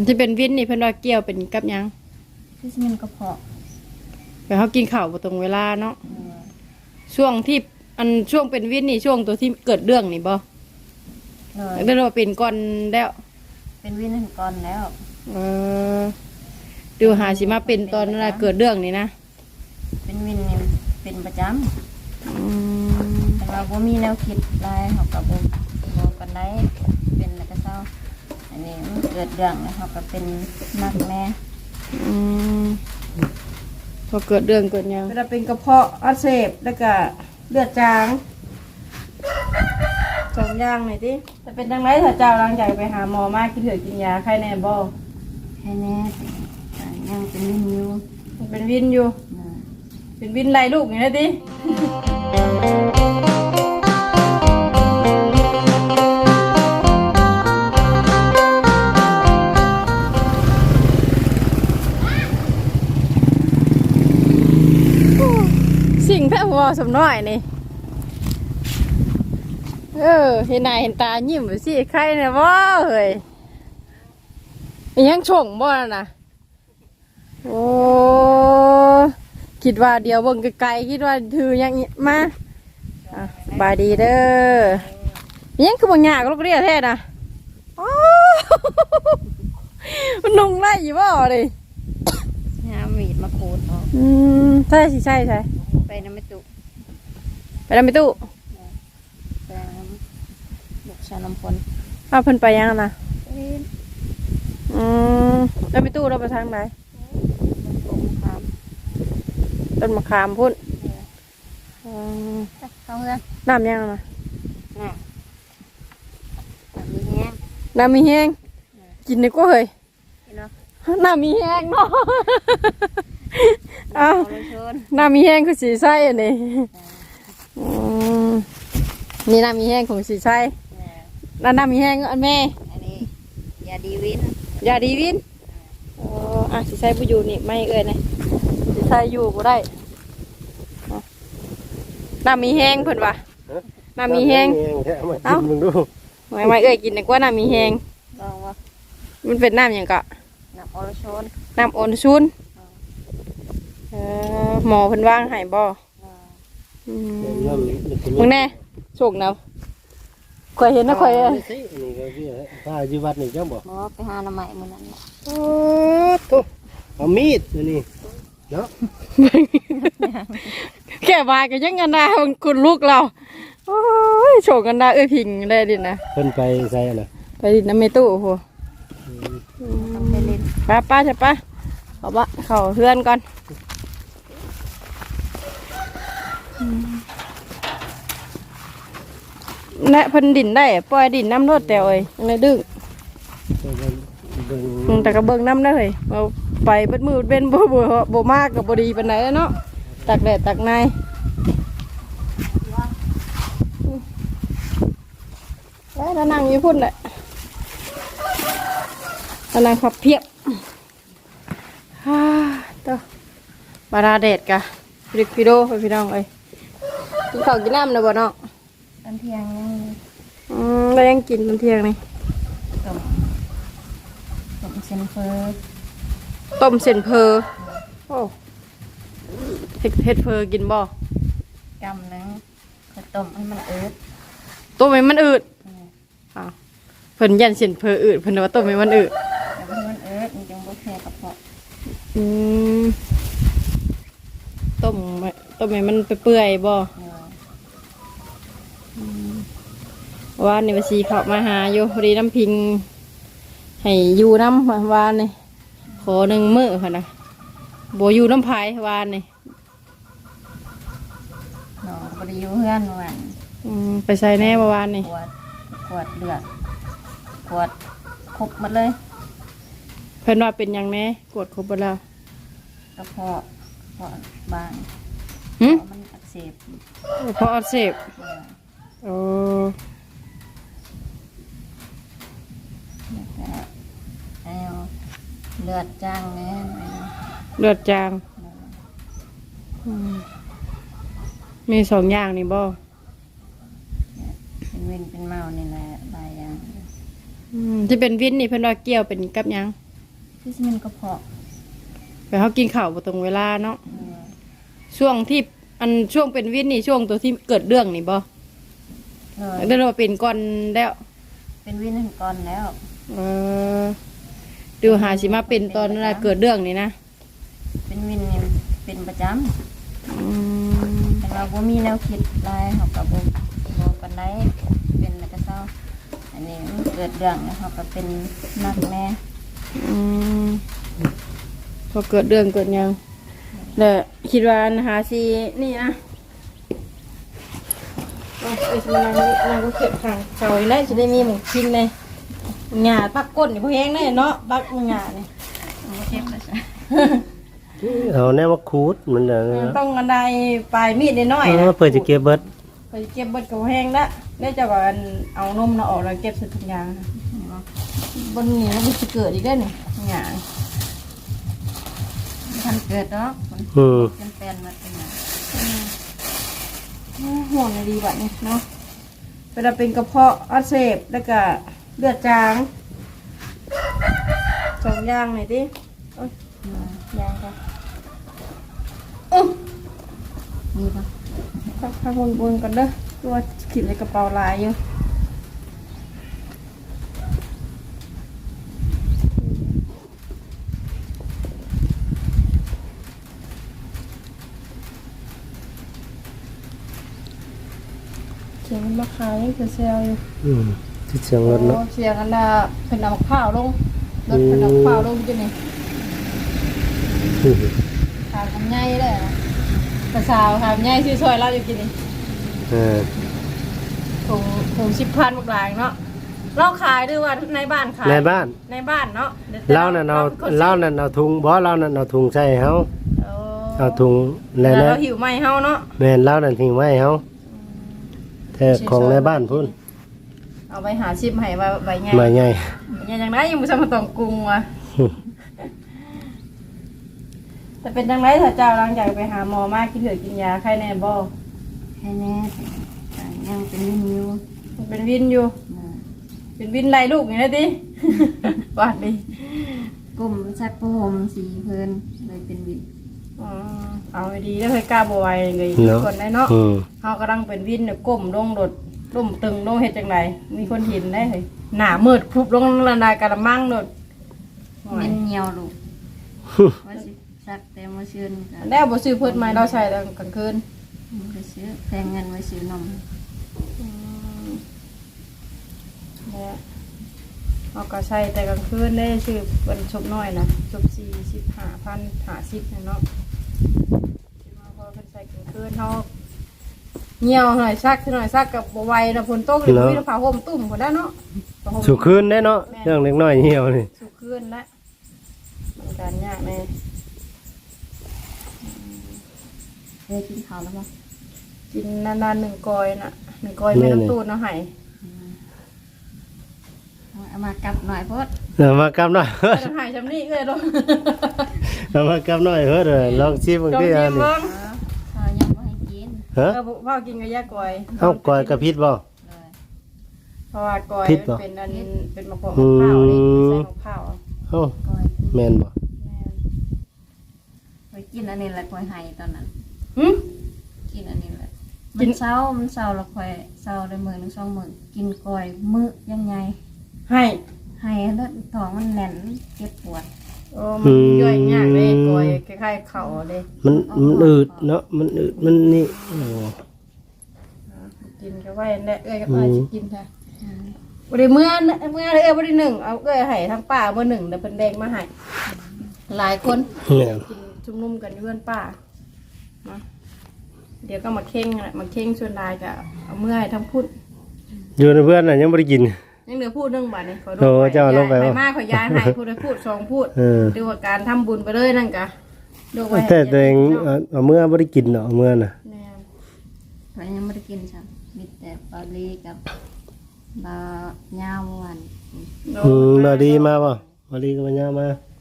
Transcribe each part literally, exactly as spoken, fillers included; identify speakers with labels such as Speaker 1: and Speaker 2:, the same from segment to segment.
Speaker 1: ที่เป็นวินนี่เพิ่นว่าเกี่ยวเป็นกับหยัง
Speaker 2: ที่มันกระเพาะ
Speaker 1: แต่เขากินข้าวบ่ตรงเวลาเนาะช่วงที่อันช่วงเป็นวินนี่ช่วงตัวที่เกิดเรื่องนี่บ่เลยได้ว่าเป็นก่อนแล้ว
Speaker 2: เป็นวินนั่นก่อนแล้ว
Speaker 1: เออดูหาสิมาเป็นตอนนั้นเกิดเรื่องนี่นะ
Speaker 2: เป็นวินนี่เป็นประจำแต่ว่าบ่มีแนวคิดลายเขากับบ่บ่กันได้เป็นแล้วก็เศร้าอันนี้มันเกิดเรื่องแล้วเขาก็เป็นนักแม่
Speaker 1: อืมพอเกิดเรื่องเกิดยังเวลาเป็นกระเพาะอักเสบแล้วก็เลือดจางสองอย่างหน่อยดิจะเป็นจังไรถ้าเจ้าหลังจากไปหาหมอมากินเถื่อกินยาใครแน่บ่
Speaker 2: ใครแน่ยังเป็นวินอยู่
Speaker 1: เป็นวินอยู่เป็นวินไรลูกอย่างนี้ดิสิ่งแท้หัวสมน้อยนี่เออเห็นหน้าเห็นตายิ้มไปสิใครเนี่ยว้าเฮ้ยยังชงบ่น่ะโอ้คิดว่าเดียวเบิ่งไกลๆคิดว่าถือยังมาสบายดีเด้อยังคือบ่ยากลูกเรียแท้น่ะมันนุ่งไล่อยู่บ่เลย
Speaker 2: หามีดมาโคตร
Speaker 1: อืมใช่สิใช่ใช่
Speaker 2: ไปน้ำไม่ตุ
Speaker 1: ไปน้ำไม่ตุ
Speaker 2: ไปน้ำบุกชาลำพล
Speaker 1: อ้าวเพิ่นไปยังนะอืมน้ำไม่ตุเราไปทางไหนต้นมะขามพุ่น
Speaker 2: เข้าเพื่อน
Speaker 1: น้ำยังนะ
Speaker 2: น้ำมีแห้ง
Speaker 1: น้ำมีแห้งกินนี่ก็เฮ้ยน้ำมีแห้งเนาะอ้าวน้ำมีแห้งคือสีไส้นี่นี่น้ำมีแห้งของสีไส้แล้วน้ำมีแห้งอันแม่
Speaker 2: อันนี้ยาดีวิน
Speaker 1: ยาดีวินอ๋ออ่ะสีไส้ผู้อยู่นี่ไม่เอ่ยนะสีไส้อยู่ก็ได้น้ำมีแห้งเพิ่นวะน้ำมีแห้งเอ้าไม่ไม่เอ่ยกินดีกว่าน้ำมีแห้ง
Speaker 2: ลองวะ
Speaker 1: มันเป็นน้ำอย่างกะ
Speaker 2: น้ำออนชูน
Speaker 1: น้ำออนชูนเออหมอเพิ่นว่างให้บ่มึงแน่โชคนะคอยเห็นนะคอย
Speaker 3: นี่ก็พี่ถ้าอยู่วัดนี่จังบ่
Speaker 2: หมอไปหาหน่อไม้มื้อนั้น
Speaker 1: โอ้ทุ
Speaker 3: เอามีดนี่เนาะ
Speaker 1: แค่มาก็ยังกันนะคุณลูกเราโอ้ยโชคกันนะเอ้ยพิงได้ดินะ
Speaker 3: เพิ่นไปใส่น่ะ
Speaker 1: ไปดิน้ำเมตู้โอ้โห
Speaker 2: ไปเล่น
Speaker 1: ป้าป้าใช่ป้าเขาบ้าเขาเพื่อนก่อนและพันดินได้ปล่อยดินน้ำรดแต่เอ้ยยังไงดึงแต่กระเบื้องน้ำได้เลยเอาไปเบ็ดมือเป็นบ่บ่บ่มากกับบดีเป็นไหนเนาะตักแดดตักในแล้วนั่งอยู่พุ่นแหละนั่งพับเพียบฮ่าต่อบาราเดดกะริกพิโดไปพี่น้องเอ้ยกินข้าวกินน้ำนะบ่เนาะ
Speaker 2: ตอนเที่ยงยัง
Speaker 1: อืมแล้วยังกินตอนเที่ยงนี่
Speaker 2: ต้มต้มเส้นเพอ
Speaker 1: ต้มเส้นเพอโอ้เฮ็ดเฮ็ดเพอกินบ่
Speaker 2: กำนึงก็ต้มให้มันอืด
Speaker 1: ต้มให้มันอืดอ้าวเพิ่นยันเส้นเพออืดเพิ่นว่าต้มให้มันอืด
Speaker 2: แต่ว่ามันอืดมันจังบ่แพ้กระเพาะ
Speaker 1: อืมต้มต้มให้มันเปื่อยๆบ่ว่านี่ว่าสิเข้ามาหาอยู่พอดีน้ำพิงให้อยู่น้ำวานนี่ขอหนึ่งมื้อค่ะนะโบอยู่น้ำพายวานนี่
Speaker 2: เนาะบ่ได้อยู่เฮือนวัน
Speaker 1: อืมไปใส่แน่เมื่อวานนี่
Speaker 2: ขวดขวดเลือดขวดครบหมดเลย
Speaker 1: เพิ่นว่าเป็นยังแน่กวดครบหมดแล้ว
Speaker 2: กระเพาะกระเพาะบาง
Speaker 1: หืม
Speaker 2: มันอักเสบ
Speaker 1: กระเพาะอักเสบโอ้
Speaker 2: เลือดจางแน่
Speaker 1: เลือดจางมีสองอย่างนี่บ่
Speaker 2: เป็นวินเป็นเมานี่แหละหลายอย่าง
Speaker 1: ที่เป็นวินนี่เพิ่นว่าเกี่ยวเป็นกับยัง
Speaker 2: คือสิมันกระเพาะ
Speaker 1: ไปเฮากินข้าวบ่ตรงเวลาเนาะ
Speaker 2: เออ
Speaker 1: ช่วงที่อันช่วงเป็นวินนี่ช่วงตัวที่เกิดเรื่องนี่บ่
Speaker 2: เลย
Speaker 1: ได้ว่าเป็นก่อนแล้ว
Speaker 2: เป็นวินหันก่อนแล้ว
Speaker 1: เออดูหาสิมาเป็นตอนนั้นเกิดเรื่องนี่นะ
Speaker 2: เป็นวินนี่เป็นประจ
Speaker 1: อืม
Speaker 2: ำแต่ว่าบ่มีแนวคิดลายเขากับบ่บ่กันได้เป็นแล้วก็เศร้าอันนี้มันเกิดเรื่องแล้วเขาก็เป็นนักแม่
Speaker 1: อืมพอเกิดเรื่องเกิดหยังแล้วคิดว่าอันหาสินี่นะเอาไอ้สมานนี่นางก็เก็บทางเสาอีกแล้วจะได้มีหมูชิ้นเลยหญ้าปักก้นนี่พอแห้งได้เนาะปักหญ้านี่
Speaker 2: บ่เจ็บแล้วจ้ะ
Speaker 3: เอาแน่ว่าคูดมันเด้อ
Speaker 1: ต้องกันได้ปลายมีดน้อย
Speaker 3: เอ
Speaker 1: ๆ
Speaker 3: อ
Speaker 1: นะ
Speaker 3: เปิดจะเก็บเบิด
Speaker 1: ไปเก็บเบิดกับแห้งละได้จะว่าอันเอานมน่ะออกแล้วเก็บใส่ถุงยางบนนี้มันจะเกิดอีกได้อนี่หญ้า
Speaker 2: ทันเกิดเนาะมัน
Speaker 3: อืม
Speaker 2: เป็นแฟนมาเป็นหยัง
Speaker 1: ห่วงดีแบบนี้เนาะเวลาเป็นกระเพาะอักเสบแล้วก็เลือดจางสองอย่างหน่อยดิโอ๊ยยางค่ะอื้อ
Speaker 2: มีปะ
Speaker 1: พักพักวนวนๆกันเด้อตัวขีดในกระเป๋าลายอยู่เสียงมันมาขายยังคือเซลอยู่
Speaker 3: อืมที่เสียงรถเนาะ
Speaker 1: โอ้เสียงอันน่ะเป็นน้ำมะพร้าวลงรถเป็นน้ำมะพร้าวลงจังนี่
Speaker 3: อืม
Speaker 1: ขายคำใหญ่เลยนะภาษาวขายคำใหญ่ชื่อซอยเราอยู่กินนี่
Speaker 3: เออ
Speaker 1: ถุงถุงสิบพันบกหลายเนาะเราขายด้วยว่าในบ้านขาย
Speaker 3: ในบ้าน
Speaker 1: ในบ้านเนาะดี๋ยว
Speaker 3: เล่านั่นเอา
Speaker 1: ป็คซื้อ
Speaker 3: เล่านั่นเอาถุงบ่เล่านั่นเอาถุงใส่ให้เฮา
Speaker 1: โอ้
Speaker 3: เอาถุง
Speaker 1: แล้
Speaker 3: แล้ว ว
Speaker 1: เรา
Speaker 3: นะ
Speaker 1: หิวไหมเฮาเนาะ
Speaker 3: แม่นเล่านั่นทิ้งไว้ให้เฮาแต่ของในบ้านพุ่น
Speaker 1: เอาไปหาชิมให้ว่าใบใหญ่
Speaker 3: มาใหญ่
Speaker 1: ใหญ่อย่างไรยังไม่ทำมาต้องกรุงว่ะแต่เป็นจังไรถ้าเจ้าหลังจากไปหาหมอมากินเถือะกินยาไข้แน่บ่
Speaker 2: แค่แน่แต่ยังเป็นวินอยู่
Speaker 1: มันเป็นวินอยู่
Speaker 2: นะ
Speaker 1: เป็นวินไรลูกอย่างนี้ดิ บาดดิ
Speaker 2: กลุ่มซักผ้าห่มสีเพิ่นเลยเป็นวิน
Speaker 1: อ๋อเอาให้ดีแล้วเคยกล้าบวายเลย
Speaker 3: เนาะ
Speaker 1: คนได้เนาะ
Speaker 3: อืม
Speaker 1: เขากำลังเป็นวินเนี่ยก้มลงโดดล่มตึงลงเห็ดจังไรมีคนเห็นได้เลยหนามืดคลุบลงระดายกระมังโดด
Speaker 2: เป็นเหี่ยวลูกว่าสิซักแต่มาซื้อกัน
Speaker 1: แล้วบ่ซื้อเพิ่นมาเราใช้ตอนกลางคืน
Speaker 2: ไปซื้อแพงเงินไว้ซื้อนม
Speaker 1: แล้วเราก็ใช้แต่กลางคืนได้ซื้อเป็นชบน้อยนะชบสี่สิบห้าพันหาสิบเนาะที่มาพอเพิ่นใส่กลางคืนเขาเหี่ยวหน่อยซักหน่อยซักกับบไหวนะฝนตกเลยมีผ้าห่มตุ่มคนได้เนาะผ้าห่ม
Speaker 3: สุคืนได้เนาะเรื่องเล็กน้อยเหี่ยวนี่
Speaker 1: สุคืนละมันการยากแม่
Speaker 2: เคยกินข้าวแล้วมั้ง
Speaker 1: กินนานๆหนึ่งกอยน่ะหนึ่งกอยไม่ต้องตูดเนาะไห้
Speaker 2: เอามากลับหน่อยเพราะ
Speaker 3: เอามากำหน่อย
Speaker 1: ไม่ต้องไห้จำนี่เลยเนาะ
Speaker 3: เอามากำหน่อยเฮ้ยเด้อลองชิมมึง
Speaker 1: จง
Speaker 3: ดิ
Speaker 1: ยิ้
Speaker 3: อัน
Speaker 1: ม
Speaker 3: นี้
Speaker 1: เบิ้ง
Speaker 2: ข้าวยังไม่ให้กิน
Speaker 3: ฮะ
Speaker 1: เออพ่อกินกับยากอย
Speaker 3: เอ้ากอยกระพิษบ่
Speaker 2: เลย
Speaker 1: เพราะว่ากอย
Speaker 3: พิษบ่
Speaker 1: เป็นอันเป็นมะพร้าวมะพร้าวนี่
Speaker 3: อืม
Speaker 1: ใส่มะพร้าว
Speaker 3: เอ้า
Speaker 2: ก้อย
Speaker 3: แม่นบ่
Speaker 1: แม่น
Speaker 2: ไปกินอันนี้แหละก้อยไห้ตอนนั้น
Speaker 1: หึ
Speaker 2: กินอันนี้แหละ
Speaker 1: กิ
Speaker 2: มัน นเศร้ามันเศร้าแล้วค่อยเศร้าได้มื้อหนึงสองมื้อกินก้อยมื้อยังไง
Speaker 1: ให้
Speaker 2: ให้แล้วท้องมันแน่นเจ็บปวด
Speaker 1: โอ้มันย่อยยากเลยกอยคล้ายๆเข่าเลย
Speaker 3: มันมันอืดเนาะมันอืดมันนี่โอ้
Speaker 1: กินก็ไว้แน่เอ้ยก็ไปกินค่ะบริเมื่อเมื่อเอ้ยบริหนึ่งเอาเอ้ยให้ทั้งป้าเมื่อหนึ่งแต่เป็นแดงมาให้หลายคน
Speaker 3: แม่น
Speaker 1: กินชุมนุมกันอยู่เพื่อนป้าเนาะเดี๋ยวก็มาเข่งแหละมาเข่งส่วนลายกับเอาเมื่อให้ทั้งพูด
Speaker 3: อยู่ในเพื่อนน่ะยังบ่ได้กิน
Speaker 1: ยังเหลือพูดเรื่องบาทนี่ขอ
Speaker 3: โอ้เจ้าลงไป
Speaker 1: ไป
Speaker 3: วะ
Speaker 1: มากขอยายให้พูดได้พูดสองพูด
Speaker 3: เออ
Speaker 1: ดูว่าการทำบุญไปเลยนั่นกะดูไว้
Speaker 3: แต่ตัวเองเอาเอาเมื่อบ่ได้กินเนาะเอาเมื่อน่ะ
Speaker 1: แม่
Speaker 2: ข้อยยังไม่ได้กินจ้ะมีแต่ปลาลีกับบะยาวหวาน
Speaker 3: อืมบ่ดีมาบ่บ่ดีก็มาย่ามา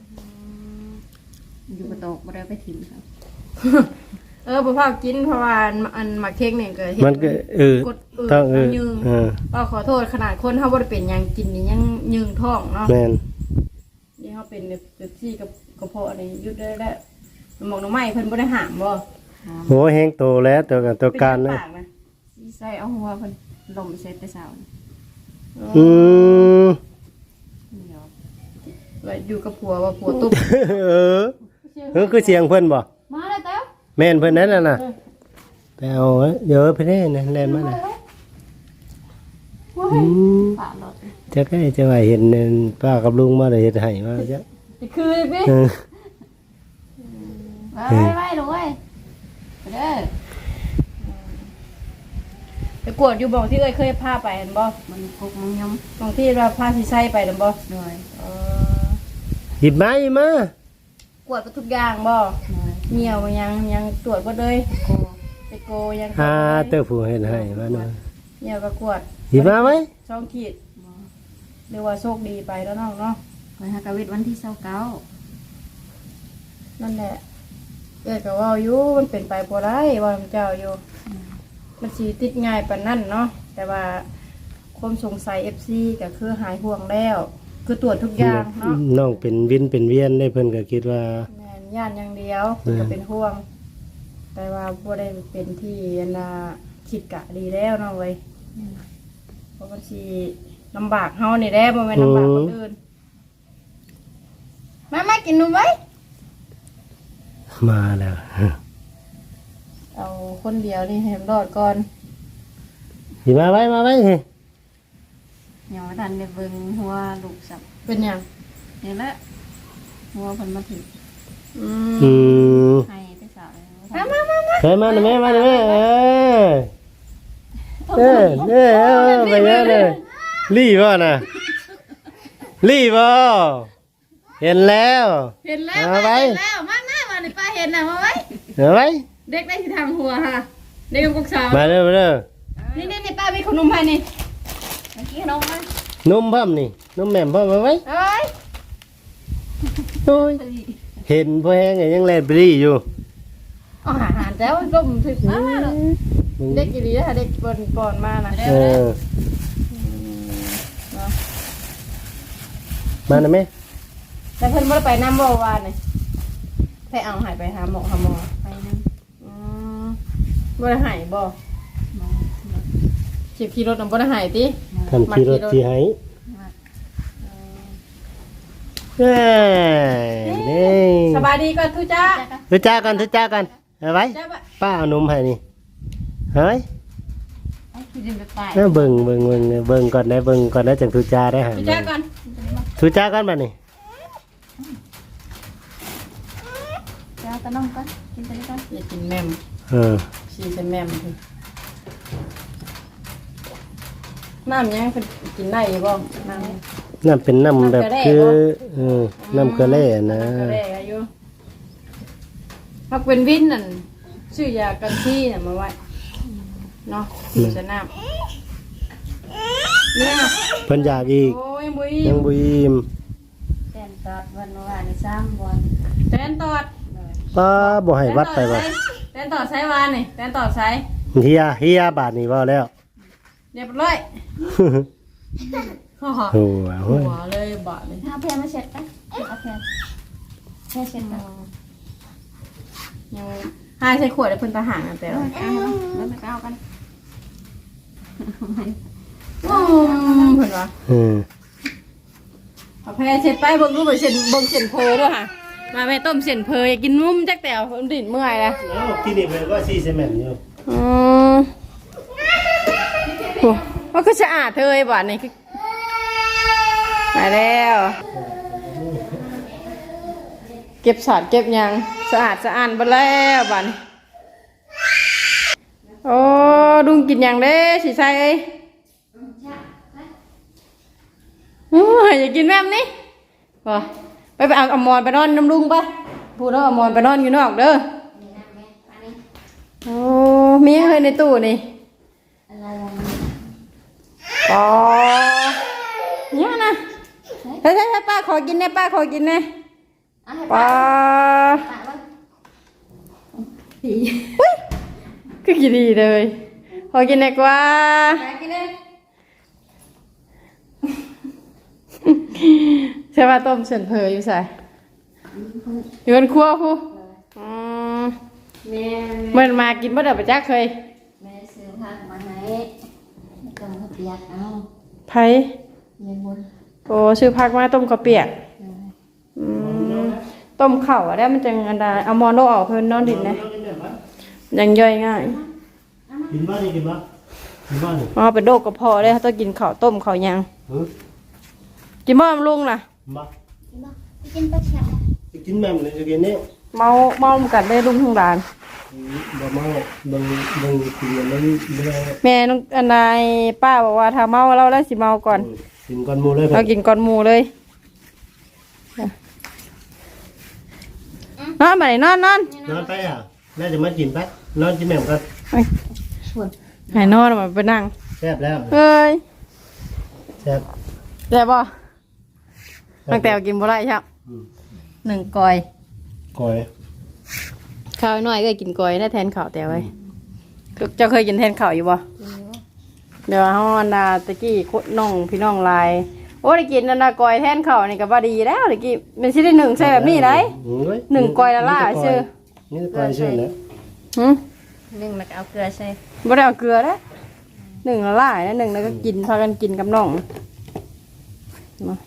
Speaker 2: อยู่กระโตกบ่ได้ไปถิ่มครับ
Speaker 1: เออพ่อพ่อกินเพราะว่าอันหมักเค้กเนี่ยเกิดเห็
Speaker 3: มันก็เออก
Speaker 1: ดเออ
Speaker 3: ต้องเออ
Speaker 1: ยืง
Speaker 3: เออ
Speaker 1: ก็ขอโทษขนาดคนเขาบ่ได้เป็นหยังกินนี่ยังยืงท้องเนาะ
Speaker 3: แม่น
Speaker 1: ที่เขาเป็นแบบที่กับกระเพาะนี่ยุดได้แล้วหมอกน้ำไม้เพิ่นบ่ได้หามบ่
Speaker 3: โหแห้งโตแล้วตัวกันตัวการ
Speaker 1: เล
Speaker 3: เลย ย
Speaker 2: สิใส่เอาหัวเพิ่นลมใส่แต่เช้า
Speaker 3: อืม
Speaker 2: เดี๋ยว
Speaker 1: ไว้อยู่กับผัวว่าผัวตุ๊บ
Speaker 3: เออเออคือเสียงเพิ่นบ่
Speaker 2: มาเลยเต้า
Speaker 3: แม่นเพิ่นนั่นน่ะน่ะไปเอาไว้เดี๋ยวเพิ่นได้นะแล่นมาน่ะอืม
Speaker 2: ปากรถ
Speaker 3: จะใกล้จะว่าเห็นป้ากับลุงมาได้เฮ็ดให้มาจ้ะ
Speaker 1: คือพี่
Speaker 3: เออ
Speaker 2: ไว้ไว้ลูกเว้ยไปเด้อ
Speaker 1: ไปกวดอยู่บ่ที่เอ้ยเคยพาไปเห็นบ่
Speaker 2: มันกุกมันยำ
Speaker 1: บางที่เราพาสิใช้ไปเห็นบ่
Speaker 2: โดย
Speaker 1: เออ
Speaker 3: หยิบมาหยิบมาก
Speaker 1: วดไปทุกอย่างบ่
Speaker 2: โดย
Speaker 1: เหนียวยังยังตรวจบ่เลย
Speaker 2: โก
Speaker 1: ไปโกยัง
Speaker 3: หาเต้าผู้เฮ็ดให้มาหน่อย
Speaker 1: เหนียวก็กวด
Speaker 3: หยิบมาไว้
Speaker 1: ช่องขีดเรียกว่าโชคดีไปแล้วน้องเนาะ
Speaker 2: ไปหากะวิทวันที่เช้าเก้า
Speaker 1: นั่นแหละเอ้ยก็เว่าอยู่มันเป็นไปบ่ได้ว่ามันเจ้าอยู่ มันสีติดง่ายปานนั่นเนาะแต่ว่าความสงสัย เอฟ ซี ก็คือหายห่วงแล้ว คือตรวจทุกอย่างเนาะ
Speaker 3: น้องเป็นวินเป็นเวียนได้เพิ่นก็คิดว่า
Speaker 1: แม่นย่านอย่างเดียวก็เป็นห่วง แต่ว่าบ่ได้เป็นที่อันน่ะคิดกะดีแล้วเนาะเว้ยเพราะมันสิลำบากเฮานี่แหละบ่แม่นลำบากคนอื่นมามากินนมไว้
Speaker 3: มาแล้ว
Speaker 1: เอาคนเดียวนี่ให้มันรอดก่อน
Speaker 3: หยิบมาไว้มาไว้สิ
Speaker 2: ยังไม่ทันได้เบิ่งหัวลูกสับ
Speaker 1: เป็นหยัง
Speaker 2: นี่แหละหัวเพิ่นมาถึง
Speaker 1: อืม
Speaker 3: อืม
Speaker 2: ให้แต่เช้าเลย
Speaker 1: มามามามา
Speaker 3: เฮ้ยมาหน่อยแม่มาหน่อยแม่เออเออเออเออไปเยอะเลยรีบบ่น่ะรีบบ่เห็นแล้ว
Speaker 1: เห็นแล้ว
Speaker 3: เอาไว้
Speaker 1: เห็นแล้วมามามานี่ป้าเห็นน่ะมาไว้
Speaker 3: เอาไว้
Speaker 1: เด็กได้ที่ทางหัวค่ะเด็กกับกุกสาว
Speaker 3: มาเด้อมาเด้อ
Speaker 1: นี่นี่นี่ป้ามีขนมให้นี่
Speaker 2: เมื่อกี้นมมัน
Speaker 3: นมเพิ่มนี่นมแหม่มเพิ่มมาไว้
Speaker 1: เอาไว้
Speaker 3: โอ้ยเห็นพอแห้งไงยังแลนไปรีอยู่
Speaker 1: เอาอาหารแล้วร่มถึกมามาลูกเด็กกี่ดีนะเด็กปอนปอนมานะ
Speaker 3: เออ
Speaker 1: เนาะ
Speaker 3: มาหน่อยแม่
Speaker 1: แต่เพิ่นบ่ได้ไปน้ำบ่วานนี่ไปเอาหายไปหาหมอหาหมอ
Speaker 2: ไปนั่ง
Speaker 1: อืมบ่ได้หายบ่
Speaker 2: มอง
Speaker 1: ขี่ขี่รถนำบ่ได้หายติ
Speaker 3: ทำทีรถทีให้เอ้ยนี่
Speaker 1: สบายดีก่อนทุจ้า
Speaker 3: ทุจ้ากันทุจ้ากันเอาไว้
Speaker 1: จ้าบะ
Speaker 3: ป้าเอานมให้นี่เฮ้ย
Speaker 2: ไอ้ที่ดินไปตาย
Speaker 3: เอาเบิ่งเบิ่งเบิ่งเบิ่งก่อนได้เบิ่งก่อนได้จังทุจ้าได้หา
Speaker 1: ทุจ้าก่อน
Speaker 3: ทุจ้ากันบัดนี้
Speaker 2: เจ้าตะน้องก่อนกินตะนี้ก่อน
Speaker 1: อย่ากินแม่ม
Speaker 3: เออ
Speaker 1: ชีใส่แม่มคือน้ำยังเพิ่นกินได้อยู่บ่น้ำ
Speaker 3: น้ำเป็นน้ำแบบคือเออน้ำเกลือแร่นะ
Speaker 1: ก็ได้อายุพักเป็นวินนั่นชื่อยากันที่น่ะมาไว้เนาะสีสนามเนี่ย
Speaker 3: เพิ่นอยากอีก
Speaker 1: โอ้ยบุย
Speaker 3: ยังบ่อิ่ม
Speaker 2: แตนตอดวันวานนี่สามวัน
Speaker 1: แตนตอด
Speaker 3: ป้าบ่ให้วัดไปบ่
Speaker 1: แตนตอดใช้วานนี่แตนตอดใช้
Speaker 3: เฮียเฮียบาทนี่บ่แล้ว
Speaker 1: เรียบร้อยฮ่าฮ่า
Speaker 3: โอ้โห
Speaker 1: หัวเลยบาดเลย
Speaker 2: เอาเพลมาเช็ดกันเอาเพลเพลเช็ดกัน
Speaker 1: ยังให้ใช้ขวดแล้วเพิ่นทหารกันแต่
Speaker 2: เอา
Speaker 1: ละ
Speaker 2: เอาแล้วไปเอากัน
Speaker 1: อืมเพิ่นว่า
Speaker 3: เออ
Speaker 1: เอาแพ้เช็ดไปเบิ่งรูปเส้นเบิ่งเส้นเพอด้วยค่ะมาแม่ต้มเส้นเพออยากกินนุ่มจักแต่เอาดิ่นเมื่อยละ
Speaker 3: เอ้าที่นี่เพิ่นก็ซีเซเมนต์อยู่
Speaker 1: อืมโอ้มันก็สะอาดเธอไอ้บาดนี่คือมาแล้ว เก็บสอดเก็บหยังสะอาดสะอาดไปแล้วบาดนี้โอ้ดุงกินหยังเด้สิใส่เอ้ยโอ้ยอยากกินแม่มนี่บ่ไปไปเอาอมรไปนอนน้ำลุงปะพูดแล้วอมรไปนอนอยู่นอกเด้อโอ้มีอะไรในตู้นี่อ๋อเนี่ยนะเฮ้ยเฮ้ยป้าขอกินนะป้าขอกินนะป้าอุ๊ยก็กินดีเลยขอกินหน่อยกว่าใช่ว่าต้มเส้นเพออยู่ใส่อยู่บนครัวผู้อืม
Speaker 2: แม่
Speaker 1: เมื่อมากินบ่ได้ประจักเคย
Speaker 2: แม่ซื้อผักมาให้ต้มข้าวเปียกเอา
Speaker 1: ไผ
Speaker 2: แม่บุญ
Speaker 1: โอ้ซื้อผักมาต้มข้าวเปียกอืมต้มข้าวอะได้มันจังอันใดเอามอนโลออกเพิ่นนอนดินนะยังย่อยง่าย
Speaker 3: กินบ้านนี่กินบ้านกินบ้านนี่
Speaker 1: อ๋อเป็นโรคกระเพาะเลยเขาต้องกินข้าวต้มข้าวหยัง
Speaker 3: เฮ้ย
Speaker 1: กินบ่มลุงน่ะ
Speaker 3: มา
Speaker 2: กินปลาแฉะ
Speaker 3: กินแม่มันเลยจะกินนี่
Speaker 1: เมาเมากันได้ลุงทั้งหลาน
Speaker 3: บ่มาบางบางกินมันไม่ได้
Speaker 1: แม่น้องอันนายป้าบอกว่าถ้าเมาเราแล้วสิเมาก่อน
Speaker 3: กินก้อนหมูเลย
Speaker 1: เรากินก่อนหมูเลยนอนมาไหนนอนนอน
Speaker 3: นอนไปอ่ะน่าจะมากินไปนอนกินแม่กัน
Speaker 1: ไหนนอนมาไปนั่ง
Speaker 3: แซ่บแล้ว
Speaker 1: เฮ้ย
Speaker 3: แซ่บ
Speaker 1: แต่บ่ตั้งแต่กินบ่ได้ครับหนึ่งกอย
Speaker 3: ก้อย
Speaker 1: ข้าวน้อยก็กินกอยได้แทนข้าวแต่ไว้เจ้าเคยกินแทนข้าวอยู่บ่เดี๋ยวเฮาอันดาตะกี้น้องพี่น้องลายโอ้ได้กินอันดากอยแทนข้าวนี่ก็บ่ดีแล้วตะกี้มันสิได้หนึ่งใส่แบบนี้ได้หนึ่งกอยละล่าชื่อ
Speaker 3: นี่ก้อยชื่อนะ
Speaker 1: หึ
Speaker 2: นึ่งแล้วก็เอาเกลือใส่
Speaker 1: บ่ได้เอาเกลือนะหนึ่งละล่านะหนึ่งแล้วก็กินพากันกินกับน้องมา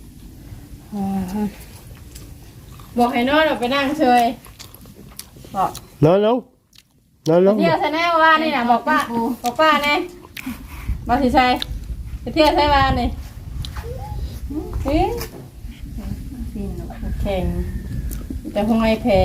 Speaker 1: บอกให้นอนไปนั่งเฉยบอก
Speaker 3: นอนลงนอนลง
Speaker 1: เที่ยวใช่แน่ว่านี่นะบอกป้าบอกป้าแน่บอกสิใช่ไปเที่ยวใช่ว่านี่เฮ้ย
Speaker 2: กินแล้วก็
Speaker 1: แข่งแต่คงไอแพร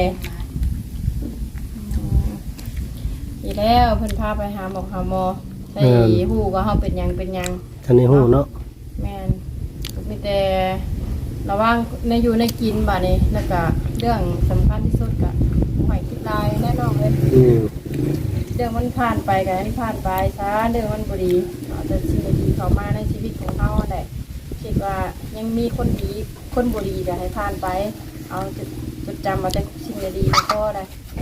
Speaker 1: อีแล้วเพิ่นพาไปหาหมอหาหมอใส่หูก็เฮาเป็นหยังเป็นหยัง
Speaker 3: ทันในหูเนาะ
Speaker 1: แม่นมีแต่ระวังในอยู่ในกินบ่านี้แล้วก็เรื่องสำคัญที่สุดก็หอยคิดลายแน่นอนเลย
Speaker 3: อืม
Speaker 1: เรื่องมันผ่านไปกันที่ผ่านไปซะเรื่องมันบุรีเอาแต่สิ่งดีๆเข้ามาในชีวิตของเขาแหละคิดว่ายังมีคนดีคนบุรีก็ให้ผ่านไป เอาจดจดจำมาแต่สิ่งดีๆมาก็ได้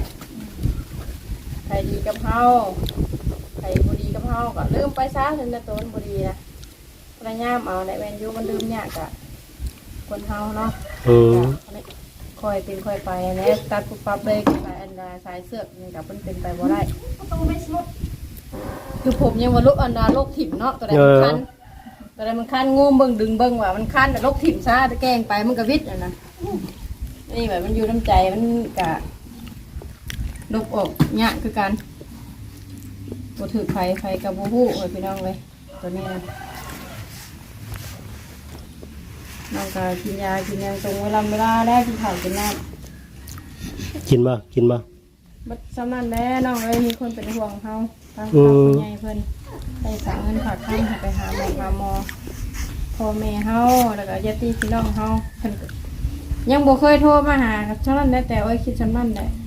Speaker 1: ใครดีกับเขาใครบุรีกับเขาก็ลืมไปซะถึงจะตัวมันบุรีนะพยายามเอาในแวนยูมันลืมยากอะคนเฮาเนาะ
Speaker 3: อืม
Speaker 1: คอยเป็นคอยไปนะตัดปุ๊บปั๊บเลยสายอันดาสายเสือกนี่กับมันเป็นไปบ่ได้คือผมยังว่าโรคอันดาโรคถิ่มเนาะตัวใดมันคันตัวใดมันคันงูเบิ่งดึงเบิ่งว่ามันคันแต่โรคถิ่มซะตะแกงไปมันก็วิทย์อ่ะนะนี่แบบมันอยู่น้ำใจมันกะลบอกยากคือกันบ่ถือไฟไฟกับบ่ฮู้เอ้ยพี่น้องเลยตัวนี้นะน้องก็กินยากินยาตรงเวลาเวลาแล้วกินข้าวกินน้ำ
Speaker 3: กินบ่กินบ่
Speaker 1: บัดสำนันแน่น้องเลยมีคนเป็นห่วงเขาทางครอบครัวใหญ่เพิ่นไปฝากเงินฝากคำให้ไปหาหมอหาหมอพ่อแม่เฮาแล้วก็ญาติพี่น้องเฮาเพิ่นก็ยังบ่เคยโทรมาหาครับสำนันได้แต่ว่าคิดสำนันได้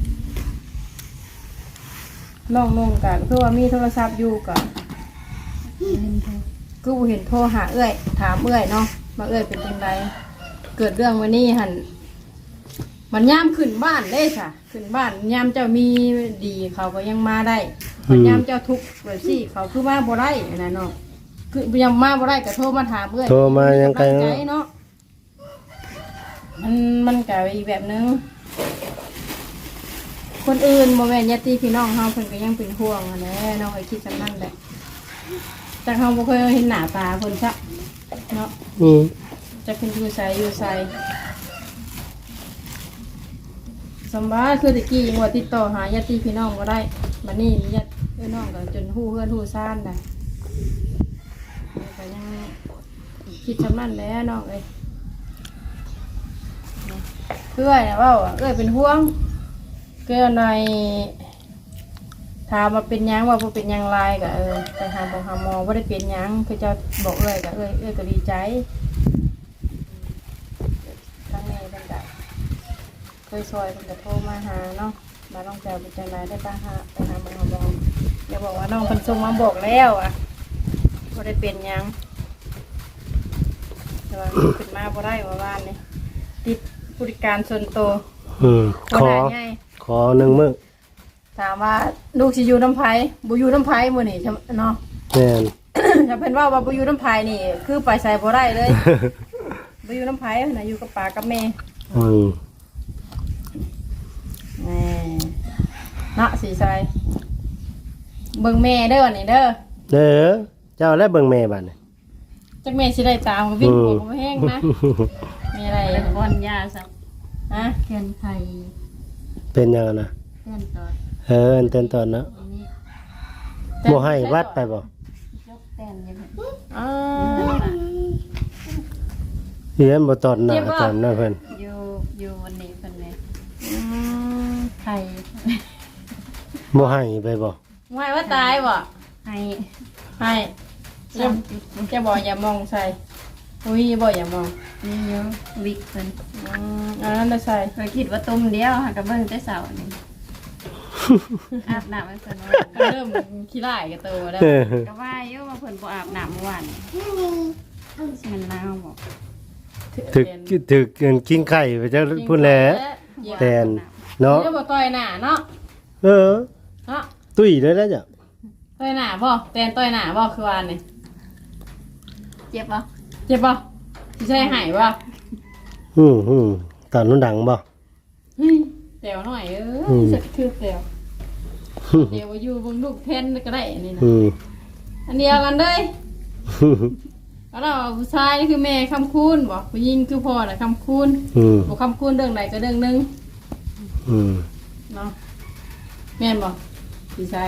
Speaker 1: น้องนุ่งกันคือว่ามีโทรศัพท์อยู่ก็คือบ่เห็นโทรหาเอื้อยถามเอื้อยเนาะมาเอื้อยเป็นจังไดเกิดเรื่องวันนี้หั่นมันย่ามขึ้นบ้านเลยค่ะขึ้นบ้านย่ามเจ้ามีดีเขาก็ยังมาได้มันย่ามเจ้าทุกข์แบบสิเขาคือมาบ่ได้นะเนาะคือยังมาบ่ได้ก็โทรมาถามเอ้ย
Speaker 3: โทรมายังไง
Speaker 1: ใจ
Speaker 3: เนาะ
Speaker 1: เนาะมันมันก็อีกแบบนึงคนอื่นบ่แม่นญาติพี่น้องเฮาเพิ่นก็ยังเป็นห่วงอะแหละเนาะไอ้คิดจังนั้นแหละแต่เฮาบ่เคยเห็นหน้าตาเพิ่นซะเนาะ
Speaker 3: อืม
Speaker 1: จะเป็นอยู่ไสอยู่ไสสำบายคือตะกี้ยังว่าติดต่อหาญาติพี่น้องก็ได้มานี่ญาติพี่น้องก็จนหู้เฮือนหู้ซ่านได้ก็ยังคิดชำนั่นแหล้วน้องเอ้ยเพื่อนว่าเอ้ยเป็นห่วงเกลือในถามมาเป็นยังว่าบ่เป็นยังไรก็เออไปหาบอกหาหมอว่าได้เป็นยังคือจะบอกเอ้ยก็เอ้ยเอ้ยก็ดีใจทั้งนี้เป็นแบบเคยซอยเป็นกระโทรมาหาเนาะมาลองแจวเป็นจังไรได้ป้าฮะไปหาหมอหมออย่าบอกว่าน้องคนส่งมาบอกแล้วอ่ะว่าได้เป็นยังแต่ว่าขึ้นมาบ่ได้ว่าบ้านนี่ติดบริการส่วนตัว
Speaker 3: อืมขอ
Speaker 1: ไง
Speaker 3: ขอหนึ่งมื้อ
Speaker 1: ถามว่าลูกสิอยู่น้ำไผ่บุอยู่น้ำไผ่มื้อนี่เนาะ
Speaker 3: แม่น
Speaker 1: ถ้าเพิ่นว่าว่าบุอยู่น้ำไผ่นี่ คือไปใส่บ่ได้เลยบ่อยู่น้ำไผน่ะอยู่กับป้ากับแม่
Speaker 3: อืม
Speaker 1: แหม่เนาะสีใสเบิ่งแม่เด้อวันนี้เด้อ
Speaker 3: เด้อเจ้าแล้วเบิ่งแม่บัดนี้
Speaker 1: จักแม่สิได้ตามก็วิ่งหัวบ่แห้งนะมีอะไร
Speaker 2: แล้วก็ป้อนยาซัก
Speaker 1: ฮะ
Speaker 2: เพื่อนไทย
Speaker 3: เป็นยังไงนะ
Speaker 2: เพื่อนตอด
Speaker 3: เอออันเต้นตอนเนาะ
Speaker 2: อันนี้
Speaker 3: บ่ให้วัดไปบ่
Speaker 2: ยกแต้นอยังไง
Speaker 1: อ๋อ
Speaker 3: เฮียนบ่ตอนหน้าตอนหน้าเพิ่น
Speaker 2: อยู่อยู่วันนี้เพิ่นเลย
Speaker 1: อืม
Speaker 2: ไทย
Speaker 3: บ่ให้ไปบ่
Speaker 1: ไม่ว่าตายบ่
Speaker 2: ให้
Speaker 1: ให้
Speaker 2: สามจุด
Speaker 1: จะบอกอย่ามองใส่อุ้ยบ่อย่ามอง
Speaker 2: นี่เยอะวิกเพิ่น
Speaker 1: อืมอันนั้นได้ใส่
Speaker 2: เคยคิดว่าต้มเดียวหากระเบิ่งแต่เสาร์นี่อาบน้ำให้เพิ่นว่า
Speaker 1: เริ่มขี้ร้ายกับตัวแล้ว
Speaker 3: เออ
Speaker 2: ก็ว่าอยู่ว่าเพิ่นบ่อาบน้ำเมื่อวานสิมันหนาวบ่
Speaker 3: ถึกถึกเกินกินไข่ไปจักพุ่นแหละแตนเนาะ
Speaker 1: เนาะบ่ต่อยหน้าเนาะ
Speaker 3: เออ
Speaker 1: เนาะ
Speaker 3: ตุ้ยเลยแล้วจ้ะ
Speaker 1: ต่อยหน้าบ่แตนต่อยหน้าบ่คือวานนี่
Speaker 2: เจ็บบ่
Speaker 1: เจ็บบ่สิใช่หายบ่
Speaker 3: อืมอืมตอนนั้นดังบ่
Speaker 1: เฮ้ยเดี๋ยวหน่อยเอ
Speaker 3: อื
Speaker 1: อ
Speaker 3: ม
Speaker 1: เสร็จคือเดี๋ยวเดี๋ยวอยู่บนลูกเทนก็ได้อันนี้นะ
Speaker 3: อืม
Speaker 1: อันเดียวกันเลยแล้วเราผู้ชายนี่คือแม่คำคูณบอกผู้หญิงคือพ่อน่ะคำคูณ
Speaker 3: อืม
Speaker 1: บอกคำคูณเรื่องใดก็เรื่องหนึง
Speaker 3: อืม
Speaker 1: เนาะแม่นบอกพี่ชาย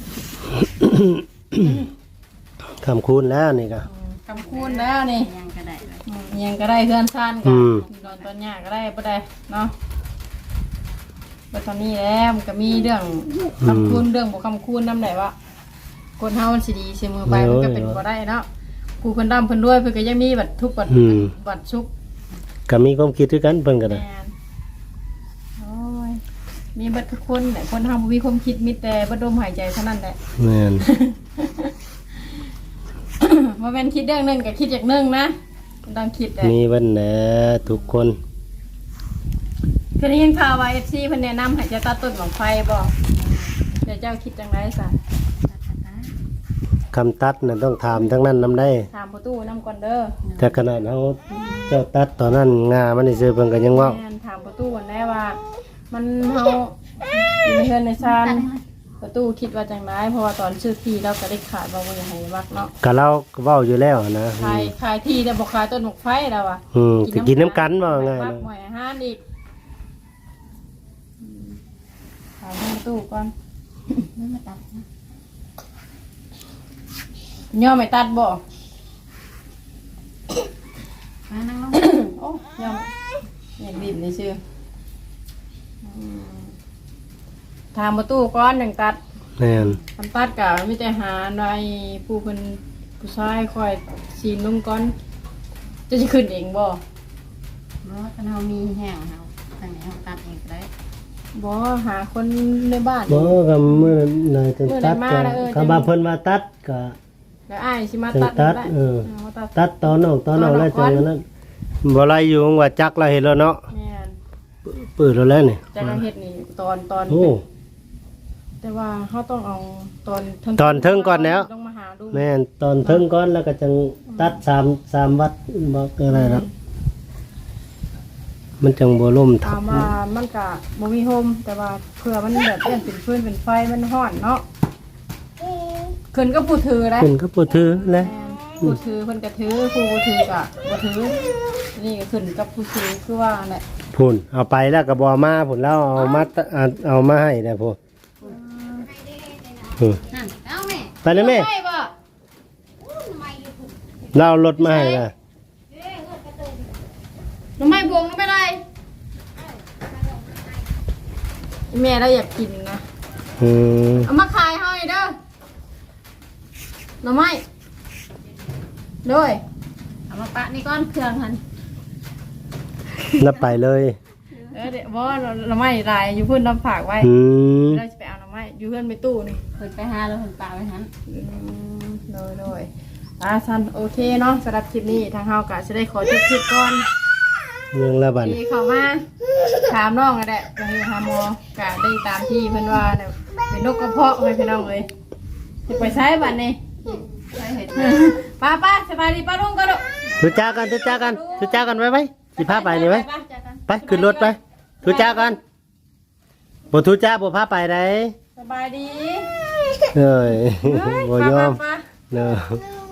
Speaker 3: คำคูณแล้วนี่ก็
Speaker 1: อืมคำคูณแล้วนี่
Speaker 2: ยังก็ได้เลย
Speaker 1: อืมยังก็ได้เพื่อนซ่าน
Speaker 3: อื
Speaker 1: กัน
Speaker 3: ม
Speaker 1: ตอนตอนหน้าก็ได้ปะได้เนาะปัตอนนี้แล้วมันก็มีเรื่องคำคูณเรื่องบอกคำคูณน้ำไหนวะคนเฮามันสิดีเสมอไปมันก็เป็นบ่ได้เนาะผู้เพิ่นดำเพิ่นด้วยเพิ่นก็ยังมีบัตรทุกบัตร
Speaker 3: อืม
Speaker 1: บัตรชุก
Speaker 3: ก็มีความคิดด้วยกันเพิ่นก็ได้
Speaker 1: แม่นโอ้ยมีบัตรทุกคนแหละคนเฮาบ่มีความคิดมีแต่บัดลมหายใจเท่านั้นแหละ
Speaker 3: แม่น
Speaker 1: บ่แม่นคิดเรื่องหนึงก็คิดอย่างหนึงนะต้องคิดแหละ
Speaker 3: มีวันแหนทุกคน
Speaker 1: เคยได้ยินข่าวว่า เอฟ ซี เพิ่นแนะนำให้เจะตัดต้นของไฟบ่เดี๋ยวเจ้าคิดจังไดซะ
Speaker 3: คำตัดน่ะต้องถามทั้งนั้นนำได้
Speaker 1: ถามประตูนำก่อนเด้อ
Speaker 3: แต่ขนาดเฮาเจ้าตัดตอนนั้นงามันได้ซื้อเพิ่นก็ยังเว่า
Speaker 1: แม่นถามประตูก่อนได้ว่า มันเฮาอยู่ในเฮือนในซานประตูคิดว่าจังไดเพราะว่าตอนซื้อที่เราก็ได้ขาดบ่ว่าอยากให้วักเนาะ
Speaker 3: ก็เราก็เว้าอยู่แล้วนะ
Speaker 1: ขายขายที่แต่บ่ขายต้นหมกไฟแล้วอ่ะ
Speaker 3: อืมก็กินน้ำกันว่าง่าย
Speaker 1: ปัก
Speaker 3: นะ
Speaker 1: หมวยอาหารอีกอืมถามประตูก่อน
Speaker 2: ไม่มาตัดนะ
Speaker 1: ย่อไม่ตัดบ่
Speaker 2: มานั่งลง
Speaker 1: โอ้ย่อมเห็นดินนี่ชื่ออืมถามประตูก่อนจังตัด
Speaker 3: แม่น
Speaker 1: ทำตัดกะมีแต่หาในผู้เพิ่นผู้ชายคอยซีนลงก่อนจะสิขึ้นเองบ่
Speaker 2: เพราะว่าถ้าเรามีแห้งเราทางนี้เราตัดเองก็ได้
Speaker 1: บ่หาคนในบ้าน
Speaker 3: บ่ก็มื้อไหนจะ
Speaker 1: มื้อไหน
Speaker 3: ตัด
Speaker 1: มา
Speaker 3: ก็
Speaker 1: แล้วเออ
Speaker 3: คำว่าเพิ่นมาตัดก็
Speaker 1: แล้วอ้ายสิมา
Speaker 3: จัง
Speaker 1: ตัด
Speaker 3: ตัด
Speaker 1: ได้
Speaker 3: เออ
Speaker 1: าตัด
Speaker 3: ตัดตอนออกตอนออกแล้วจังนั้นบ่ไรอยู่ว่าจักเราเห็นแล้วเนาะ
Speaker 1: แม่น
Speaker 3: เปิดแล้วแล้วนี่
Speaker 1: จากการเฮ็ดนี่ตอนตอน
Speaker 3: โอ้
Speaker 1: แต่ว่าเขาต้องเอาตอนเทิง
Speaker 3: ตอนเทิงก่อนแล้ว
Speaker 1: ต้องมาหาดู
Speaker 3: แม่นตอนเทิงก่อนแล้วก็จังตัดสามสามวัดบ่อะไรนะมันจังบ่ล่มทั
Speaker 1: เอา
Speaker 3: บ
Speaker 1: มามันก็บ่มีโฮมแต่ว่าเผื่อมันแบบเปลี่ยนเป็นฟืนเป็นไฟมันร้อนเนาะขึ้นก็ผู้ถือได้
Speaker 3: ขึ้นก็บ่ถือแหละ
Speaker 1: แม่นผู้ถือเพิ่นก็ถือผู้บ่ถือก็บ่ถือนี่ก็ขึ้นกับผู้ถือคือว่าแหละ
Speaker 3: พุ่นเอาไปแล้วก็บ่เอามาพุ่นแล้วเอามาตะเอาเอามาให้ได้พุ่นอืม
Speaker 2: นั่นเอาแม่
Speaker 3: ไปเลยแม่
Speaker 1: ใช่บ่
Speaker 3: เราเอารถมาให้นะ
Speaker 1: น้ำไม้บวงน้ำไม่ไรแม่เราอยากกินนะ
Speaker 3: อืม
Speaker 1: เอามาขายให้เด้อหน่อไม้ด้วย
Speaker 2: เอามาปะนี่ก้อนเครื่องหัน
Speaker 3: แล้วไปเลย
Speaker 1: เออเดี๋ยวบ่หน่อไม้ลายอยู่เพื่อนน้ำฝากไว้
Speaker 3: อืม
Speaker 1: เราจะไปเอาหน่อไม้อยู่เพื่อนไปตู้นี่
Speaker 2: เพิ่นไปหาแล้วเพิ่นปะไว้หัน
Speaker 1: อืมโดยโดยอ่าซันโอเคเนาะสำหรับคลิปนี้ทางเฮากะจะได้ขอจบคลิปก่อน
Speaker 3: เรื่องละบัน
Speaker 1: ที่เข้ามาถามน้องก็ได้ไปหาหมอกะได้ตามที่เพิ่นว่าเนี่ยเป็นนกกระเพาะให้พี่น้องเลยจะไปใช้บัดนี้
Speaker 2: ไปเห็ด
Speaker 1: ป้าป้าสบายดีป้าลุงก็ลูก
Speaker 2: เ
Speaker 3: ทุจ้ากันทุจ้ากันทุจ้ากันไว้ไว้สิพาไปนี่ไว้ไปขึ้นรถไปทุจ้ากันบ่ทุจ้าบ่พาไปได้
Speaker 1: สบายดี
Speaker 3: เอ้ยบ่ยอม
Speaker 1: มา
Speaker 3: เนาะ
Speaker 1: ๆ